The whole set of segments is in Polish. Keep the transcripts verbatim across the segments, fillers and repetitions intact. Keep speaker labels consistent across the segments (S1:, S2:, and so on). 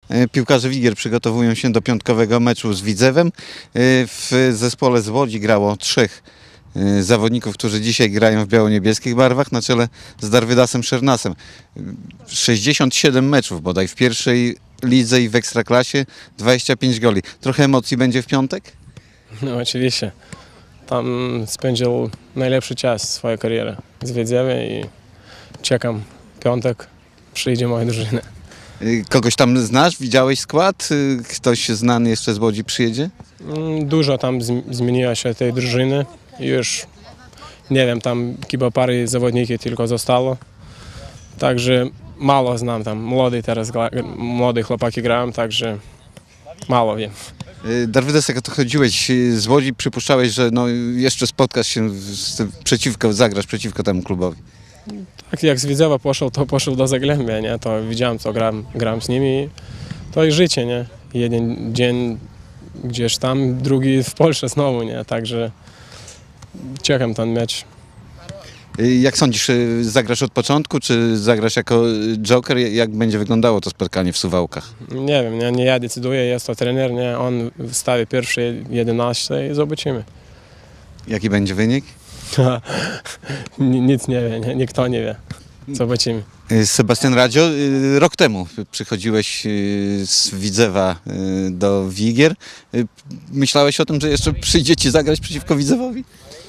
S1: Piłkarze Wigier przygotowują się do piątkowego meczu z Widzewem. W zespole z Łodzi grało trzech zawodników, którzy dzisiaj grają w biało-niebieskich barwach na czele z Darwydasem Szernasem. sześćdziesiąt siedem meczów bodaj w pierwszej lidze i w Ekstraklasie, dwadzieścia pięć goli. Trochę emocji będzie w piątek?
S2: No oczywiście. Tam spędził najlepszy czas swojej kariery z Widzewem i czekam piątek, przyjdzie moja drużyna.
S1: Kogoś tam znasz? Widziałeś skład? Ktoś znany jeszcze z Łodzi przyjedzie?
S2: Dużo tam zmieniło się tej drużyny. Już nie wiem, tam chyba parę zawodników tylko zostało. Także mało znam tam. Młody teraz, młody chłopaki grają, także mało wiem.
S1: Darwydas, jak to chodziłeś z Łodzi, przypuszczałeś, że no jeszcze spotkasz się z, przeciwko, zagrasz przeciwko temu klubowi.
S2: Tak jak z Widzewa poszedł, to poszedł do Zagłębia, nie? To widziałem, co gram, gram z nimi. To i życie, nie? Jeden dzień gdzieś tam, drugi w Polsce znowu, nie? Także czekam ten mecz.
S1: Jak sądzisz, zagrasz od początku, czy zagrasz jako joker? Jak będzie wyglądało to spotkanie w Suwałkach?
S2: Nie wiem, nie, nie ja decyduję, jest to trener, nie? On wstawi pierwsze jedenaście i zobaczymy.
S1: Jaki będzie wynik?
S2: Nic nie wie, nie, nikt nie wie. Zobaczymy.
S1: Sebastian Radzio, rok temu przychodziłeś z Widzewa do Wigier. Myślałeś o tym, że jeszcze przyjdziecie zagrać przeciwko Widzewowi?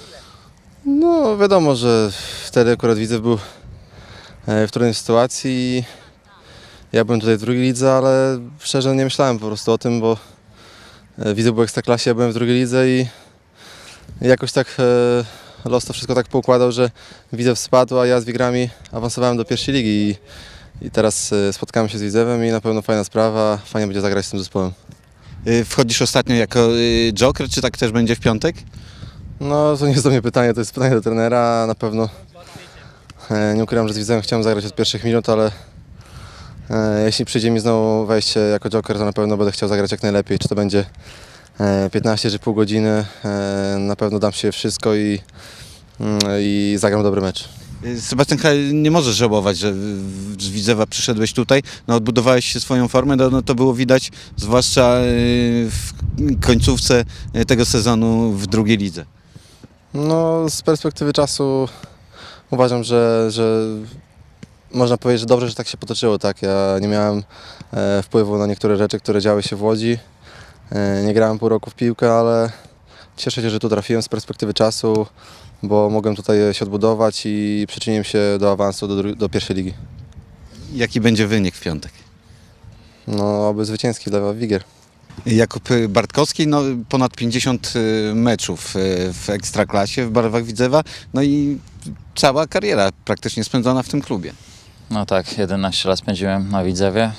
S3: No wiadomo, że wtedy akurat Widzew był w trudnej sytuacji. Ja byłem tutaj w drugiej lidze, ale szczerze nie myślałem po prostu o tym, bo Widzew był w Ekstraklasie, ja byłem w drugiej lidze i jakoś tak los to wszystko tak poukładał, że Widzew spadł, a ja z Wigrami awansowałem do pierwszej ligi i, i teraz spotkamy się z Widzewem i na pewno fajna sprawa, fajnie będzie zagrać z tym zespołem.
S1: Wchodzisz ostatnio jako joker, czy tak też będzie w piątek?
S3: No to nie jest do mnie pytanie, to jest pytanie do trenera. Na pewno e, nie ukrywam, że z Widzewem chciałem zagrać od pierwszych minut, ale e, jeśli przyjdzie mi znowu wejście jako joker, to na pewno będę chciał zagrać jak najlepiej. Czy to będzie e, piętnaście czy pół godziny, e, na pewno dam się wszystko i, mm, i zagram dobry mecz.
S1: Sebastian, nie możesz żałować, że z Widzewa przyszedłeś tutaj, no odbudowałeś się swoją formę, no, no to było widać zwłaszcza w końcówce tego sezonu w drugiej lidze.
S3: No z perspektywy czasu uważam, że, że można powiedzieć, że dobrze, że tak się potoczyło. Tak? Ja nie miałem e, wpływu na niektóre rzeczy, które działy się w Łodzi. E, nie grałem pół roku w piłkę, ale cieszę się, że tu trafiłem z perspektywy czasu, bo mogłem tutaj się odbudować i przyczyniłem się do awansu do, do pierwszej ligi.
S1: Jaki będzie wynik w piątek?
S3: No, oby zwycięski dla Wigier.
S1: Jakub Bartkowski, no, ponad pięćdziesiąt meczów w Ekstraklasie w barwach Widzewa, no i cała kariera praktycznie spędzona w tym klubie.
S4: No tak, jedenaście lat spędziłem na Widzewie.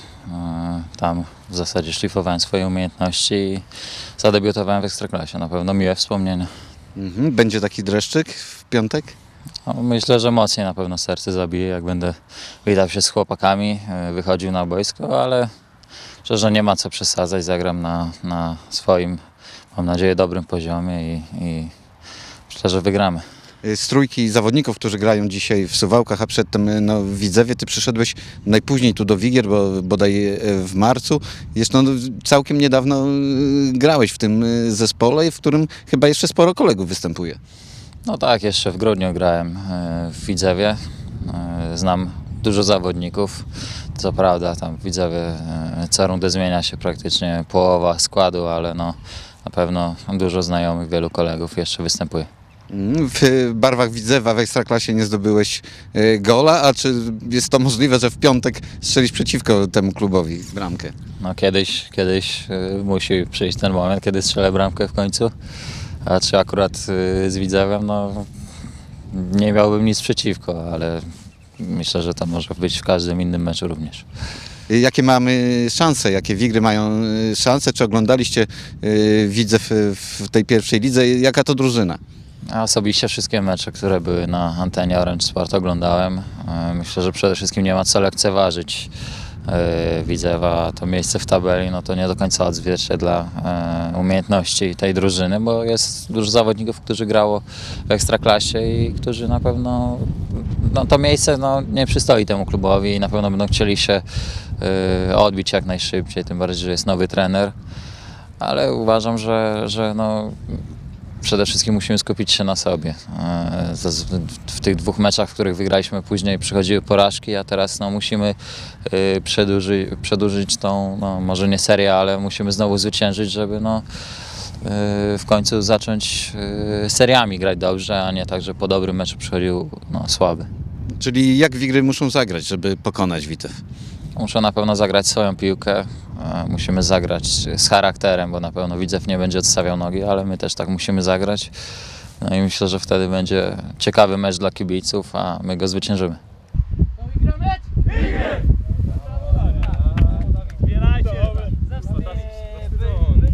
S4: Tam w zasadzie szlifowałem swoje umiejętności i zadebiutowałem w Ekstraklasie. Na pewno miłe wspomnienia.
S1: Mhm. Będzie taki dreszczyk w piątek?
S4: No, myślę, że mocniej na pewno serce zabije, jak będę witał się z chłopakami, wychodził na boisko, ale szczerze nie ma co przesadzać, zagram na, na swoim, mam nadzieję, dobrym poziomie i, i myślę, że wygramy.
S1: Z trójki zawodników, którzy grają dzisiaj w Suwałkach, a przedtem no, w Widzewie, ty przyszedłeś najpóźniej tu do Wigier, bo bodaj w marcu. Jeszcze no, całkiem niedawno grałeś w tym zespole, w którym chyba jeszcze sporo kolegów występuje.
S4: No tak, jeszcze w grudniu grałem w Widzewie. Znam dużo zawodników. Co prawda tam w Widzewie co rundę zmienia się praktycznie połowa składu, ale no, na pewno dużo znajomych, wielu kolegów jeszcze występuje.
S1: W barwach Widzewa w Ekstraklasie nie zdobyłeś gola, a czy jest to możliwe, że w piątek strzelisz przeciwko temu klubowi bramkę?
S4: No kiedyś, kiedyś musi przyjść ten moment, kiedy strzelę bramkę w końcu, a czy akurat z Widzewem, no nie miałbym nic przeciwko, ale myślę, że to może być w każdym innym meczu również.
S1: Jakie mamy szanse, jakie Wigry mają szanse? Czy oglądaliście Widzew w tej pierwszej lidze? Jaka to drużyna?
S4: Ja osobiście wszystkie mecze, które były na antenie Orange Sport oglądałem. Myślę, że przede wszystkim nie ma co lekceważyć Widzewa. To miejsce w tabeli no to nie do końca odzwierciedla umiejętności tej drużyny, bo jest dużo zawodników, którzy grało w Ekstraklasie i którzy na pewno no, to miejsce no, nie przystoi temu klubowi i na pewno będą chcieli się y, odbić jak najszybciej, tym bardziej, że jest nowy trener, ale uważam, że, że no, przede wszystkim musimy skupić się na sobie. E, z- W tych dwóch meczach, w których wygraliśmy, później przychodziły porażki, a teraz no, musimy y, przedłużyć, przedłużyć tą, no, może nie serię, ale musimy znowu zwyciężyć, żeby no, y, w końcu zacząć y, seriami grać dobrze, a nie tak, że po dobrym meczu przychodził no, słaby.
S1: Czyli jak Wigry muszą zagrać, żeby pokonać Widzew?
S4: Muszę na pewno zagrać swoją piłkę, e, musimy zagrać z charakterem, bo na pewno Widzew nie będzie odstawiał nogi, ale my też tak musimy zagrać. No i myślę, że wtedy będzie ciekawy mecz dla kibiców, a my go zwyciężymy.